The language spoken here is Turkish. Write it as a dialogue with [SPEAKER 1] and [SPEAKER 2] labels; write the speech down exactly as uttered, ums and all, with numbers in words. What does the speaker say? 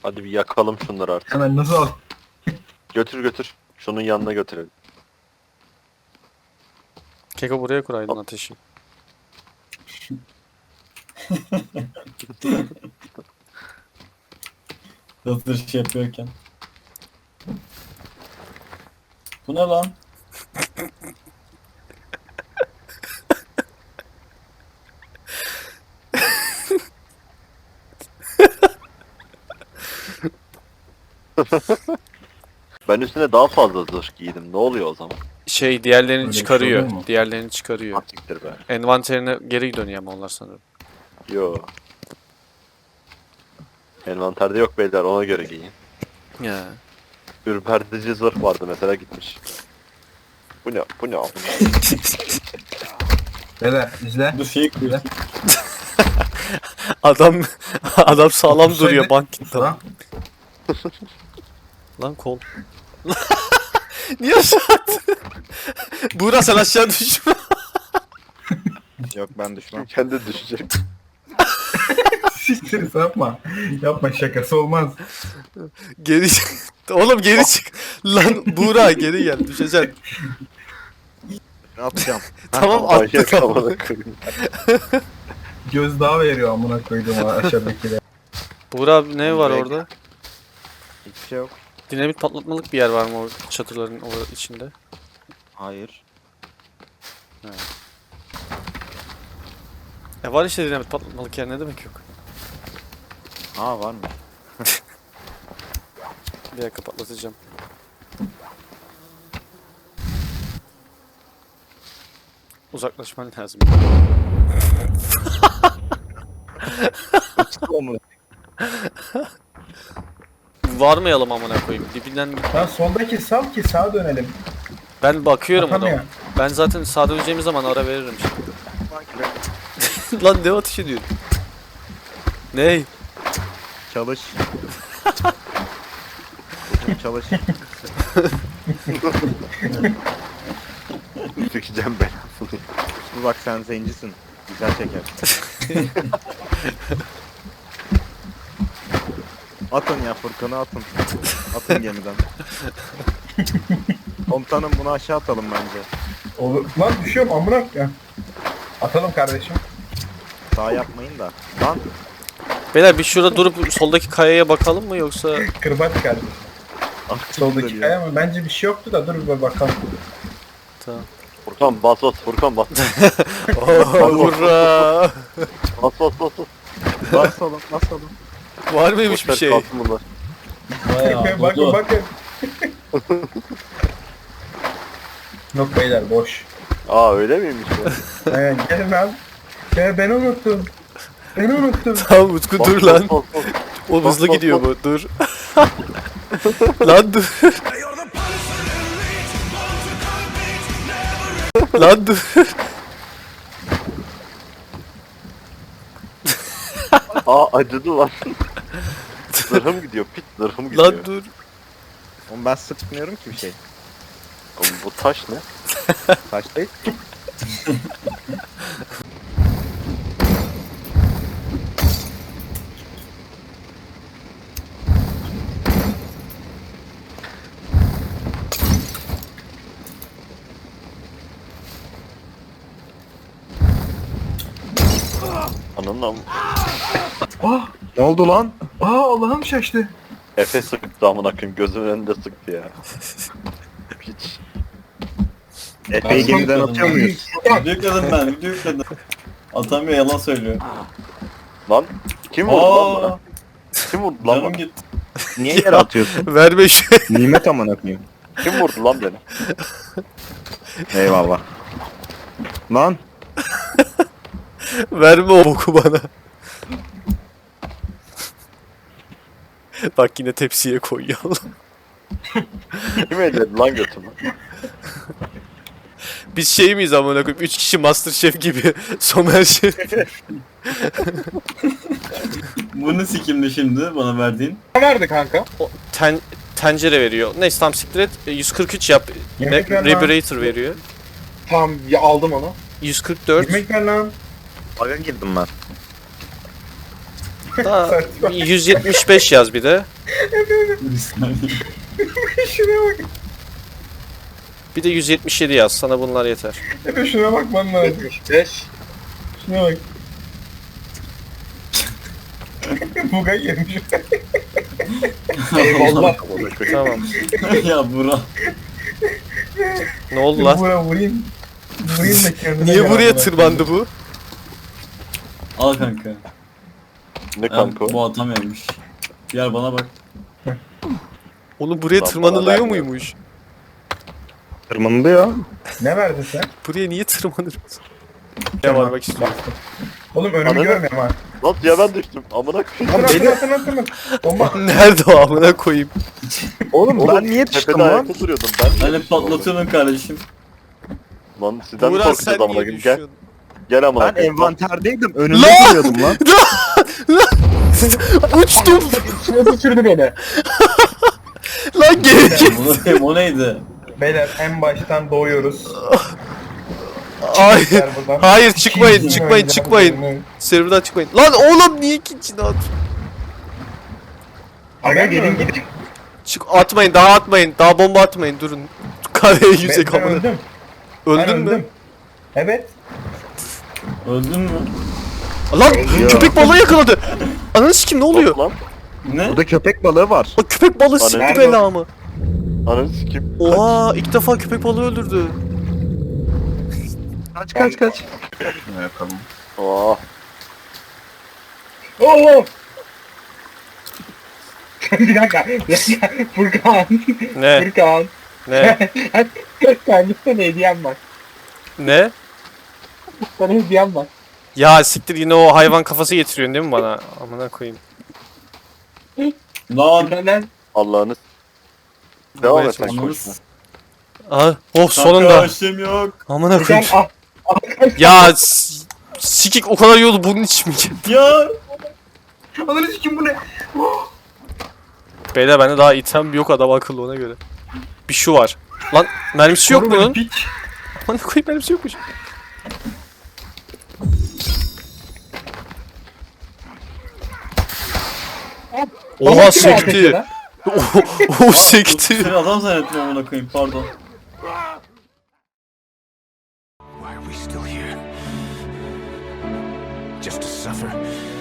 [SPEAKER 1] Hadi bir yakalım şunları artık.
[SPEAKER 2] Hemen nasıl al?
[SPEAKER 1] Götür götür. Şunun yanına götürelim.
[SPEAKER 3] Keko buraya kuraydın ateşi.
[SPEAKER 4] Hazır şey yapıyorken. Bu ne lan?
[SPEAKER 1] Ben üstüne daha fazla zırh giydim. Ne oluyor o zaman?
[SPEAKER 3] Şey diğerlerini
[SPEAKER 2] Öyle bir şey
[SPEAKER 3] çıkarıyor.
[SPEAKER 2] oluyor mu?
[SPEAKER 3] Diğerlerini çıkarıyor.
[SPEAKER 1] Asiktir be.
[SPEAKER 3] Envanterine geri dönüyor ama onlar sanırım.
[SPEAKER 1] Yo. Envanterde yok beyler, ona göre giyin.
[SPEAKER 3] Ya.
[SPEAKER 1] Ürpertici zırh vardı mesela, gitmiş. Bu ne? Bu ne? Bu ne?
[SPEAKER 2] Beyler izle.
[SPEAKER 4] Bu şeyi kırıyor.
[SPEAKER 3] Adam adam sağlam
[SPEAKER 2] Olsaydı-
[SPEAKER 3] duruyor bank gitti.
[SPEAKER 2] Lan.
[SPEAKER 3] Lan kol. Niye aşağı attın? Buğra sen aşağı düşme.
[SPEAKER 5] Yok ben düşmem.
[SPEAKER 1] Kendi düşecek.
[SPEAKER 2] Siktir yapma. Yapma, şakası olmaz.
[SPEAKER 3] Geri Oğlum geri çık. Lan Buğra geri gel düşeceksin.
[SPEAKER 5] Ne yapacağım?
[SPEAKER 3] Tamam
[SPEAKER 1] Manyak
[SPEAKER 3] attık ama.
[SPEAKER 1] amına koyayım.
[SPEAKER 2] Gözdağı veriyor amına koyduğum aşağıdakiler.
[SPEAKER 3] Buğra abi ne var
[SPEAKER 5] Direkt-
[SPEAKER 3] orada?
[SPEAKER 5] Hiçbir şey yok.
[SPEAKER 3] Dinamit patlatmalık bir yer var mı o çadırların o içinde?
[SPEAKER 5] Hayır.
[SPEAKER 3] E var işte dinamit patlatmalık yer, ne demek yok?
[SPEAKER 5] Aa var mı?
[SPEAKER 3] Bir dakika patlatacağım. Uzaklaşman lazım.
[SPEAKER 5] Onu.
[SPEAKER 3] Varmayalım amına koyayım. Dibinden
[SPEAKER 2] Lan soldaki sal ki sağa dönelim.
[SPEAKER 3] ben bakıyorum o
[SPEAKER 2] Atamıyor.
[SPEAKER 3] da. Ben zaten sağa döneceğimiz zaman ara veririm şimdi. Lan ne ateş ediyorsun? Ney?
[SPEAKER 5] Çalış. Çalış.
[SPEAKER 1] Sikeceğim belasını.
[SPEAKER 5] Dur bak sen zencisin. Güzel çeker. Atın ya Furkan'ı atın. Atın gemiden. Komutanım bunu aşağı atalım bence.
[SPEAKER 2] Olur. Lan düşüyorum amına ya. Atalım kardeşim.
[SPEAKER 5] Sağ yapmayın da. Lan
[SPEAKER 3] Beyler bir şurada durup soldaki kayaya bakalım mı yoksa
[SPEAKER 2] Kırbaç kardeşim. Soldaki
[SPEAKER 5] dönüyor.
[SPEAKER 2] kaya mı? Bence bir şey yoktu da dur bir bakalım.
[SPEAKER 3] tamam.
[SPEAKER 1] Furkan bas bas, Furkan bas.
[SPEAKER 3] Hurra!
[SPEAKER 1] Bas bas bas bas.
[SPEAKER 5] basalım basalım.
[SPEAKER 3] Var mıymış bir
[SPEAKER 1] Boşver,
[SPEAKER 3] şey?
[SPEAKER 1] kalsın bunlar.
[SPEAKER 4] Bayağı
[SPEAKER 2] bakın
[SPEAKER 4] oldu.
[SPEAKER 2] bakın. Yok beyler boş.
[SPEAKER 1] Aa öyle miymiş ya?
[SPEAKER 2] Ee, gelin lan. Ya ben unuttum. Ben unuttum.
[SPEAKER 3] Tamam Utku
[SPEAKER 1] Bas,
[SPEAKER 3] dur
[SPEAKER 1] bas,
[SPEAKER 3] lan.
[SPEAKER 1] bas, bas.
[SPEAKER 3] O
[SPEAKER 1] bas,
[SPEAKER 3] hızlı
[SPEAKER 1] bas,
[SPEAKER 3] gidiyor
[SPEAKER 1] bas.
[SPEAKER 3] bu. Dur. Lan dur. Lan dur.
[SPEAKER 1] Aa acıdı lan. Zırhım gidiyor, pit zırhım gidiyor.
[SPEAKER 3] Lan dur.
[SPEAKER 5] Oğlum ben sıkmıyorum ki bir şey.
[SPEAKER 1] Oğlum bu taş ne?
[SPEAKER 5] Taş değil.
[SPEAKER 1] Ananın am...
[SPEAKER 2] Ah,
[SPEAKER 5] Ne oldu lan?
[SPEAKER 2] aa Allah'ım şaştı.
[SPEAKER 1] Efe sıktı amına koyayım, gözümün önünde sıktı ya. Hiç.
[SPEAKER 5] Efe'yi gemiden atıyor muyuz?
[SPEAKER 4] Video yükledim ben, video yükledim. Atamıyor, yalan söylüyor.
[SPEAKER 1] Lan kim vurdu lan bana?
[SPEAKER 4] Aa,
[SPEAKER 1] Kim vurdu lan
[SPEAKER 4] canım
[SPEAKER 1] bana?
[SPEAKER 4] gitti.
[SPEAKER 5] Niye yere atıyorsun?
[SPEAKER 3] Verme şu.
[SPEAKER 5] Nimet amına koyayım.
[SPEAKER 1] Kim vurdu lan beni?
[SPEAKER 5] Eyvallah. Lan
[SPEAKER 3] Verme o boku bana. Bak yine tepsiye koyuyor.
[SPEAKER 1] Kim elledi lan götümü?
[SPEAKER 3] Biz şey miyiz amına koyayım? Üç kişi Masterchef gibi. Somer Şef.
[SPEAKER 4] Bu ne sikimdi şimdi bana verdiğin?
[SPEAKER 2] Nerede kanka?
[SPEAKER 3] O ten, tencere veriyor. Neyse tam siktir et. E, yüz kırk üç yap.
[SPEAKER 2] Yemek
[SPEAKER 3] Ne-
[SPEAKER 2] ver lan.
[SPEAKER 3] Reburator veriyor.
[SPEAKER 2] Tamam ya aldım onu.
[SPEAKER 3] yüz kırk dört.
[SPEAKER 2] Yemek ver lan.
[SPEAKER 5] baga girdim ben.
[SPEAKER 3] Daha
[SPEAKER 2] Saçma.
[SPEAKER 3] yüz yetmiş beş yaz bir de.
[SPEAKER 4] Bir saniye.
[SPEAKER 2] Şuna bak.
[SPEAKER 3] Bir de yüz yetmiş yedi yaz. Sana bunlar yeter.
[SPEAKER 2] Efe şuna bakman lazım.
[SPEAKER 6] beş.
[SPEAKER 2] Şuna bak. Buga girmiş.
[SPEAKER 6] Eyvallah.
[SPEAKER 3] Tamam.
[SPEAKER 4] Ya Burak.
[SPEAKER 3] Ne oldu lan?
[SPEAKER 2] Bura vurayım. Vurayım da kendine
[SPEAKER 3] Niye
[SPEAKER 2] gel
[SPEAKER 3] buraya
[SPEAKER 2] amına.
[SPEAKER 3] tırmandı bu?
[SPEAKER 4] Al kanka.
[SPEAKER 1] Ne
[SPEAKER 4] Ya,
[SPEAKER 1] kanka o?
[SPEAKER 4] bu atamıyormuş. Gel bana bak.
[SPEAKER 3] Oğlum buraya
[SPEAKER 1] Lan
[SPEAKER 3] tırmanılıyor
[SPEAKER 1] bana vermiyor.
[SPEAKER 3] muymuş?
[SPEAKER 5] Tırmanılıyor.
[SPEAKER 2] Ne verdin sen?
[SPEAKER 3] Buraya niye tırmanır? Ne var bak istiyorum.
[SPEAKER 2] Oğlum önümü
[SPEAKER 1] Anladın?
[SPEAKER 2] görmüyorum ha.
[SPEAKER 1] Lan ya ben düştüm. Amına koyayım.
[SPEAKER 2] Atın atın atın atın. Bomba.
[SPEAKER 3] Nerede o amına koyayım?
[SPEAKER 5] Oğlum,
[SPEAKER 1] Oğlum,
[SPEAKER 5] ben niye düştüm
[SPEAKER 1] tepede
[SPEAKER 5] lan?
[SPEAKER 1] ayakta duruyordum. Ben niye
[SPEAKER 4] Hani
[SPEAKER 1] düştüm oğlum?
[SPEAKER 4] patlatıyorsun kardeşim.
[SPEAKER 1] Lan sizden mi
[SPEAKER 3] Buğra sen
[SPEAKER 1] korkacağız amına
[SPEAKER 3] niye
[SPEAKER 1] koyayım? Gel.
[SPEAKER 3] düşüyorsun?
[SPEAKER 1] Gel amına
[SPEAKER 5] Ben
[SPEAKER 1] koyayım.
[SPEAKER 5] envanterdeydim. Önünde
[SPEAKER 3] Lan!
[SPEAKER 5] duruyordum lan.
[SPEAKER 3] Uçtum.
[SPEAKER 6] Şuna düşürdü beni.
[SPEAKER 3] Lan geri.
[SPEAKER 4] Bunu koyayım, o neydi?
[SPEAKER 2] Beyler en baştan doğuyoruz.
[SPEAKER 3] Hayır.
[SPEAKER 2] Ver buradan.
[SPEAKER 3] Hayır çıkmayın
[SPEAKER 2] İkinci
[SPEAKER 3] çıkmayın
[SPEAKER 2] oyundan
[SPEAKER 3] çıkmayın.
[SPEAKER 2] sonra-
[SPEAKER 3] Serverdan çıkmayın. Lan oğlum niye ikincini at?
[SPEAKER 2] Aga gelin gidin.
[SPEAKER 3] Çık atmayın daha atmayın. Daha bomba atmayın durun. Kareye
[SPEAKER 2] Ben,
[SPEAKER 3] yüzek
[SPEAKER 2] ben
[SPEAKER 3] amına.
[SPEAKER 2] öldüm.
[SPEAKER 3] Öldün
[SPEAKER 2] ben
[SPEAKER 3] mü?
[SPEAKER 2] öldüm. Evet.
[SPEAKER 4] Öldün mü?
[SPEAKER 3] Lan köpek balığı yakaladı. Ananı sikim ne oluyor?
[SPEAKER 1] Lan.
[SPEAKER 4] Ne?
[SPEAKER 5] Burada köpek balığı var.
[SPEAKER 3] O köpek balığı sikti
[SPEAKER 1] Nerede
[SPEAKER 3] belamı.
[SPEAKER 1] Ananı sikim.
[SPEAKER 3] Oha ilk defa köpek balığı öldürdü.
[SPEAKER 5] Kaç kaç kaç.
[SPEAKER 2] Yakalım.
[SPEAKER 1] Oh.
[SPEAKER 6] Oo. Bir dakika. Ya, ya, Furkan.
[SPEAKER 3] Ne?
[SPEAKER 6] Furkan.
[SPEAKER 3] Ne?
[SPEAKER 6] Kendisine hediyem var.
[SPEAKER 3] Ne?
[SPEAKER 6] Sana hediyem var.
[SPEAKER 3] Ya siktir yine o hayvan kafası getiriyorsun değil mi bana? Amına koyayım.
[SPEAKER 4] Lan.
[SPEAKER 6] Benden
[SPEAKER 1] Allah'ını. Devam
[SPEAKER 3] Buraya
[SPEAKER 1] et sen
[SPEAKER 3] çalışma.
[SPEAKER 1] konuşma.
[SPEAKER 3] Aha, oh
[SPEAKER 4] Kanka
[SPEAKER 3] sonunda.
[SPEAKER 4] işlem yok.
[SPEAKER 3] Amına
[SPEAKER 6] Furkan
[SPEAKER 3] koyayım.
[SPEAKER 6] ah.
[SPEAKER 3] Ya s- sikik o kadar yolu bunun için mi?
[SPEAKER 4] Ya.
[SPEAKER 2] Ananı sikim bu ne?
[SPEAKER 3] Beyler bende daha item yok adam akıllı ona göre. Bir şu var. Lan mermisi yok
[SPEAKER 2] Koru beni,
[SPEAKER 3] bunun.
[SPEAKER 2] piç.
[SPEAKER 3] Amına koyayım mermisi yokmuş. Oha sekti. O sekti.
[SPEAKER 4] Seni adam zannettim amına koyayım pardon.
[SPEAKER 7] Why are we still here? Just to suffer?